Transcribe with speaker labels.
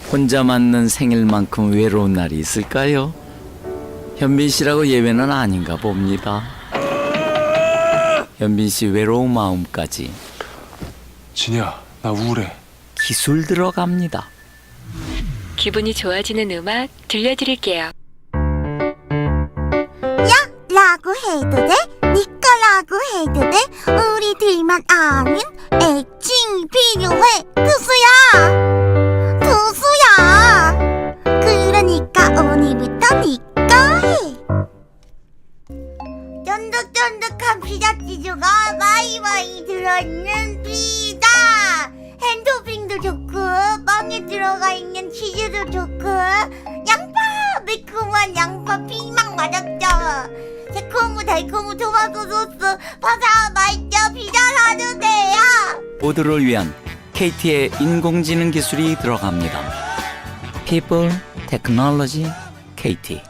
Speaker 1: 혼자 맞는 생일만큼 외로운 날이 있을까요? 현빈 씨라고 예외는 아닌가 봅니다. 현빈 씨 외로운 마음까지
Speaker 2: 진이야, 나 우울해.
Speaker 1: 기술 들어갑니다.
Speaker 3: 기분이 좋아지는 음악 들려드릴게요.
Speaker 4: 라고 해도 돼? 니꺼라고 해도 돼? 우리들만 아는 애칭이 필요해. 투수야 그러니까 오늘부터 니꺼 해. 쫀득쫀득한 피자치즈가 마이마이 들어있는 피자. 핸드핑도 좋고 빵에 들어가 있는 치즈도 좋고 매콤한 양파 피망 맞았죠. 새콤고 달콤고 토마토 소스 바삭 맛있죠. 피자 사도 돼요.
Speaker 1: 모두를 위한 KT의 인공지능 기술이 들어갑니다. People, Technology, KT.